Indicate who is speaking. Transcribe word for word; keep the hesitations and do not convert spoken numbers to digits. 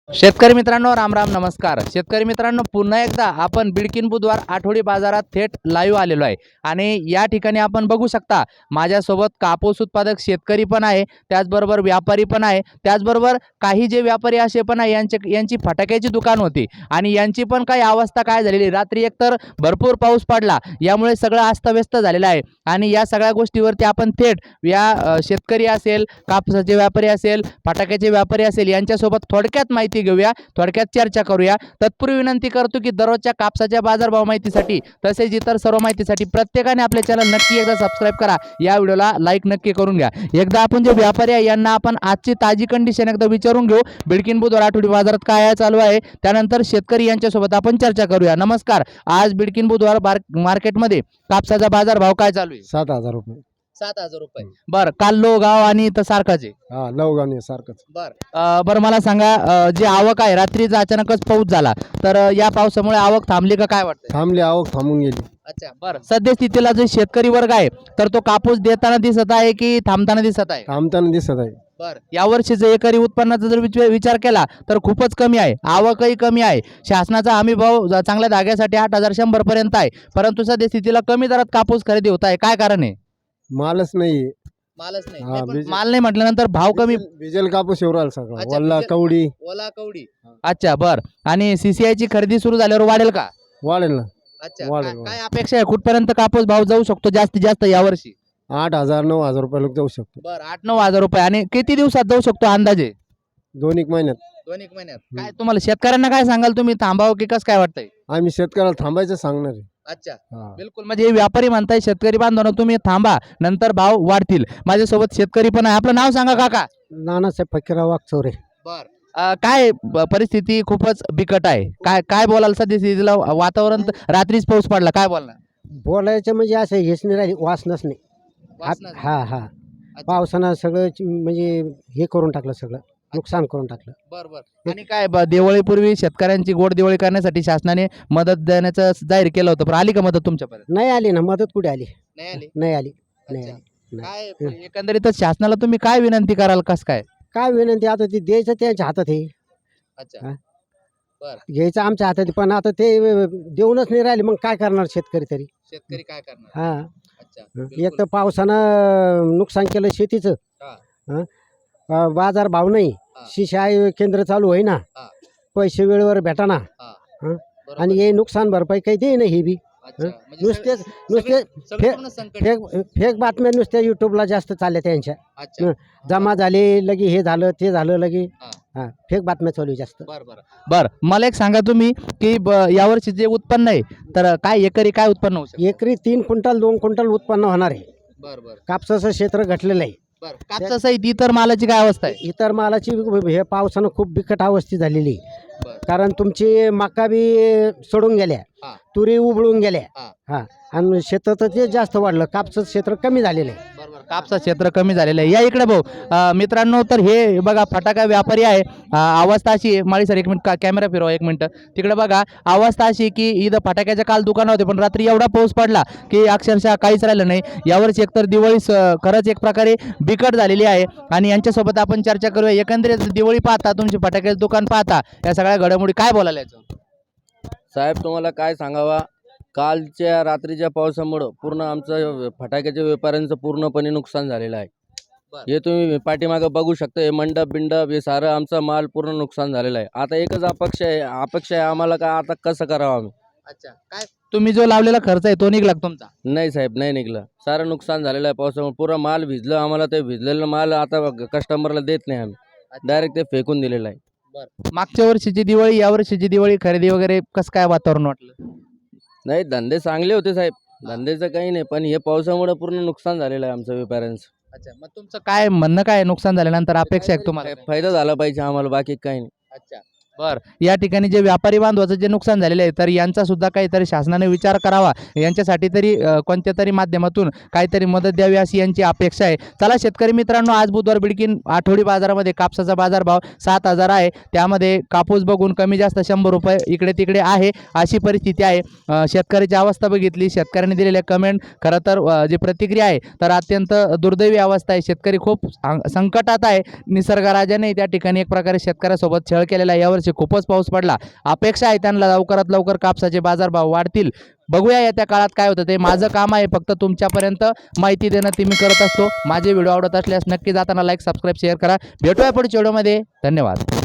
Speaker 1: शेतकरी मित्रांनो, राम राम, नमस्कार. शेतकरी मित्रांनो, पुन्हा एकदा आपण बिडकीन बुधवार आठवडी बाजारात थेट लाईव्ह आलेलो आहे आणि या ठिकाणी आपण बघू शकता माझ्यासोबत कापूस उत्पादक शेतकरी पण आहे, त्याचबरोबर व्यापारी पण आहे, त्याचबरोबर काही जे व्यापारी असे पण आहे यांचे यांची फटाक्याची दुकान होती आणि यांची पण काही अवस्था काय झालेली. रात्री एकतर भरपूर पाऊस पडला, यामुळे सगळं अस्तव्यस्त झालेलं आहे आणि या सगळ्या गोष्टीवरती आपण थेट या अ, शेतकरी असेल, कापसाचे व्यापारी असेल, फटाक्याचे व्यापारी असेल यांच्यासोबत थोडक्यात माहिती घेऊया, थोडक्यात चर्चा करूया. तत्पूर्वी विनंती करतो की दररोजच्या कापसाच्या बाजारभाव माहितीसाठी तसेच इतर सर्व माहितीसाठी प्रत्येकाने आपले चॅनल नक्की एकदा सबस्क्राईब करा, या व्हिडिओला लाईक नक्की करून घ्या. एकदा आपण जे व्यापारी आहे यांना आपण आजची ताजी कंडिशन एकदा विचारून घेऊ, बिडकीन बुधवार आठवडी बाजारात काय आहे चालू आहे, त्यानंतर शेतकरी यांच्यासोबत आपण चर्चा करूया. नमस्कार. आज बिडकीन बुधवार मार्केटमध्ये कापसाचा बाजारभाव काय चालू आहे?
Speaker 2: सात हजार रुपये.
Speaker 1: सात हजार रुपये. बर, काल लो गाव आणि इथं सारखाच आहे.
Speaker 2: हा लवगाने सारखंच.
Speaker 1: बर अ, बरं मला सांगा, अ, जी आवक आहे, रात्रीचा अचानकच पाऊस झाला तर अ, या पावसामुळे आवक थांबली का, काय वाटतं?
Speaker 2: थांबली, आवक थांबून गेली.
Speaker 1: अच्छा, बरं. सध्या स्थितीला जो शेतकरी वर्ग आहे तर तो कापूस देताना दिसत आहे की थांबताना दिसत आहे?
Speaker 2: थांबताना दिसत आहे.
Speaker 1: बर, यावर्षीचा एकरी उत्पन्नाचा जर विच- विचार केला तर खूपच कमी आहे, आवकही कमी आहे. शासनाचा हमी भाव ज- चांगल्या धाग्यासाठी आठ हजार शंभर पर्यंत आहे, परंतु सध्या स्थितीला कमी दरात कापूस खरेदी होत आहे. काय कारण आहे?
Speaker 2: मालच नाही.
Speaker 1: मालच नाही.
Speaker 2: हा,
Speaker 1: नाही, पण
Speaker 2: बीज-
Speaker 1: माल नाही म्हटल्यानंतर भाव कमी.
Speaker 2: बिजल कापूस एवढा सगळं
Speaker 1: अच्छा,
Speaker 2: वल्ला
Speaker 1: बिजल-
Speaker 2: कवडी
Speaker 1: ओला कवडी. अच्छा, बर. आणि सीसीआय ची खरेदी सुरू झाल्यावर वाढेल का?
Speaker 2: वाढेल ना.
Speaker 1: अच्छा,
Speaker 2: वाढेल,
Speaker 1: काय-
Speaker 2: वाढेल.
Speaker 1: काय अपेक्षा आहे, कुठपर्यंत कापूस भाव जाऊ शकतो जास्तीत जास्त यावर्षी?
Speaker 2: आठ हजार नऊ हजार रुपये लोक जाऊ शकतो
Speaker 1: बर, आठ नऊ हजार रुपये. आणि किती दिवसात जाऊ शकतो अंदाजे?
Speaker 2: दोन एक महिन्यात.
Speaker 1: दोन एक महिन्यात. काय तुम्हाला शेतकऱ्यांना काय सांगाल तुम्ही, थांबावं की कसं काय वाटतंय?
Speaker 2: आम्ही शेतकऱ्याला थांबायचं सांगणार आहे.
Speaker 1: अच्छा,
Speaker 2: हा.
Speaker 1: बिलकुल. म्हणजे हे व्यापारी म्हणताय शेतकरी बांधवांनो तुम्ही थांबा, नंतर भाव वाढतील. माझ्यासोबत शेतकरी पण आहे. आपलं नाव सांगा काका.
Speaker 2: नानासाहेब फकीरा वागचौरे.
Speaker 1: बर, काय ब- परिस्थिती खूपच बिकट आहे. काय काय बोलाल सध्या स्थितीला? वातावरण तर रात्रीच पाऊस पडला, काय बोलणार?
Speaker 2: बोलायचं म्हणजे असं हेच नाही राहिली, वासनाच नाही.
Speaker 1: वासनाच.
Speaker 2: हा हा पावसानं सगळं च- म्हणजे हे करून टाकलं, सगळं नुकसान करून टाकलं.
Speaker 1: बर बर. आणि काय ब- दिवाळीपूर्वी शेतकऱ्यांची गोड दिवाळी करण्यासाठी शासनाने मदत देण्याचं जाहीर केलं होतं, पण आली का मदत तुमच्यापर्यंत?
Speaker 2: नाही आली ना मदत, कुठे आली?
Speaker 1: नाही आली.
Speaker 2: नाही आली, नाही
Speaker 1: अच्छा.
Speaker 2: आली. नाही.
Speaker 1: काय एकंदरीतच शासनाला तुम्ही काय विनंती कराल, कस काय?
Speaker 2: काय विनंती, आता ते द्यायचं त्यांच्या हातात आहे,
Speaker 1: अच्छा,
Speaker 2: हा.
Speaker 1: बर.
Speaker 2: घ्यायचं आमच्या हातात आहे. पण आता ते देऊनच नाही राहिले, मग काय करणार शेतकरी तरी?
Speaker 1: शेतकरी काय करणार?
Speaker 2: हा
Speaker 1: अच्छा,
Speaker 2: एक तर पावसानं नुकसान केलं शेतीचं.
Speaker 1: हा.
Speaker 2: हा. अ, बाजार भाव नाही,
Speaker 1: हा.
Speaker 2: सिंचाई केंद्र चालू होई ना,
Speaker 1: हा.
Speaker 2: पैसे वेळेवर भेटाना,
Speaker 1: हा.
Speaker 2: हा.
Speaker 1: बरोबर.
Speaker 2: आणि हे नुकसान भरपाई काही दे ना, हे बी
Speaker 1: अच्छा,
Speaker 2: हं?
Speaker 1: म्हणजे
Speaker 2: नुसतेच
Speaker 1: सगळे-
Speaker 2: नुसते
Speaker 1: सगळे
Speaker 2: फे-
Speaker 1: पूर्ण संकट.
Speaker 2: फेक फेक बातम्या नुसत्या युट्यूबला जास्त चालल्या त्यांच्या.
Speaker 1: अच्छा,
Speaker 2: हं. जमा झाले लगे, हे झालं ते झालं लगे,
Speaker 1: हा.
Speaker 2: हा फेक बातम्या चालू आहे जास्त.
Speaker 1: बर बर बर. मला एक सांगा तुम्ही की ब- यावर्षी जे उत्पन्न आहे तर काय एकरी काय उत्पन्न होऊ शकतं?
Speaker 2: एकरी तीन क्विंटल दोन क्विंटल उत्पन्न होणार आहे.
Speaker 1: बर बर
Speaker 2: कापसाचं क्षेत्र घटलेलं आहे.
Speaker 1: बर. कापसासहित इतर मालाची काय अवस्था आहे?
Speaker 2: इतर मालाची हे पावसानं खूप बिकट अवस्था झालेली आहे.
Speaker 1: बर.
Speaker 2: कारण तुमची मका बी सोडून गेल्या,
Speaker 1: हा.
Speaker 2: तुरी उबळून गेल्या,
Speaker 1: हा.
Speaker 2: हा आणि शेतात ते जास्त वाढलं, कापसाचं क्षेत्र कमी झालेलं आहे.
Speaker 1: बरोबर, कापसा क्षेत्र कमी झालेलं आहे. या इकडे भाऊ, अं, मित्रांनो, तर हे बघा फटाका व्यापारी आहे. अं, अवस्था अशी आहे, माळी सर एक मिनिट, कॅमेरा फिरवा एक मिनिट तिकडे बघा. अवस्था अशी की इथं फटाक्याच्या काल दुकानं होते, पण रात्री एवढा पाऊस पडला की अक्षरशः काहीच राहिलं नाही. यावर्षी एकतर दिवाळी स- खरंच एक प्रकारे बिकट झालेली आहे आणि यांच्यासोबत आपण चर्चा करूया. एकंदरीत दिवाळी पाहता, तुमची फटाक्याचं दुकान पाहता, या सगळ्या घडामोडी काय बोलायला याचं?
Speaker 3: साहेब तुम्हाला काय सांगावा, कालच्या रात्रीच्या पावसामुळं पूर्ण आमचं फटाक्याच्या व्यापाऱ्यांचं पूर्णपणे नुकसान झालेलं आहे.
Speaker 1: बरं.
Speaker 3: हे तुम्ही पाठीमागं बघू शकता, हे मंडप बिंडप हे सारं आमचा माल पूर्ण नुकसान झालेला आहे. आता एकच अपेक्षा आहे अपेक्षा आहे आम्हाला, का आता कसं करावं आम्ही?
Speaker 1: अच्छा, काय तुम्ही जो लावलेला खर्च आहे तो निघला का तुमचा?
Speaker 3: नाही साहेब, नाही निघलं. सारं नुकसान झालेलं आहे पावसामुळे. पुरा माल भिजलं, आम्हाला ते भिजलेलं माल आता कस्टमरला देत नाही आम्ही, डायरेक्ट ते फेकून दिलेलं आहे.
Speaker 1: मागच्या वर्षीची दिवाळी या वर्षीची दिवाळी खरेदी वगैरे कसं काय वातावरण वाटलं?
Speaker 3: नाही, धंदे चांगले होते साहेब, धंद्याचं काही नाही, पण हे पावसामुळे पूर्ण नुकसान झालेलं आहे आमचं व्यापाऱ्यांचं.
Speaker 1: अच्छा, मग तुमचं काय म्हणणं, काय नुकसान झाल्यानंतर अपेक्षा आहे का तुम्हाला?
Speaker 3: फायदा झाला पाहिजे आम्हाला, बाकी काही नाही.
Speaker 1: अच्छा, बर, या ठिकाणी जे व्यापारी बांधवाचं जे नुकसान झालेलं आहे तर यांचा सुद्धा काहीतरी शासनाने विचार करावा, यांच्यासाठी तरी अ, कोणत्या तरी माध्यमातून काहीतरी मदत द्यावी अशी यांची अपेक्षा आहे. चला शेतकरी मित्रांनो, आज बुधवार बिडकीन आठवडी बाजारामध्ये कापसाचा बाजारभाव सात हजार आहे. त्यामध्ये कापूस बघून कमी जास्त शंभर रुपये इकडे तिकडे आहे अशी परिस्थिती आहे. अ, शेतकऱ्याची अवस्था बघितली, शेतकऱ्यांनी दिलेल्या कमेंट, खरं तर अ, जी प्रतिक्रिया आहे तर अत्यंत दुर्दैवी अवस्था आहे. शेतकरी खूप सं- संकटात आहे. निसर्गराजाने त्या ठिकाणी एक प्रकारे शेतकऱ्यासोबत छळ केलेला आहे. यावर्षी खूपच पाऊस पडला. अपेक्षा आहे त्यांना लवकरात लवकर कापसाचे बाजारभाव वाढतील. बघूया येत्या काळात काय होतं ते. माझं काम आहे फक्त तुमच्यापर्यंत माहिती देणं, ते मी करत असतो. माझे व्हिडिओ आवडत असल्यास नक्की जाताना लाईक, सबस्क्राईब, शेअर करा. भेटूया पुढच्या व्हिडिओमध्ये. धन्यवाद.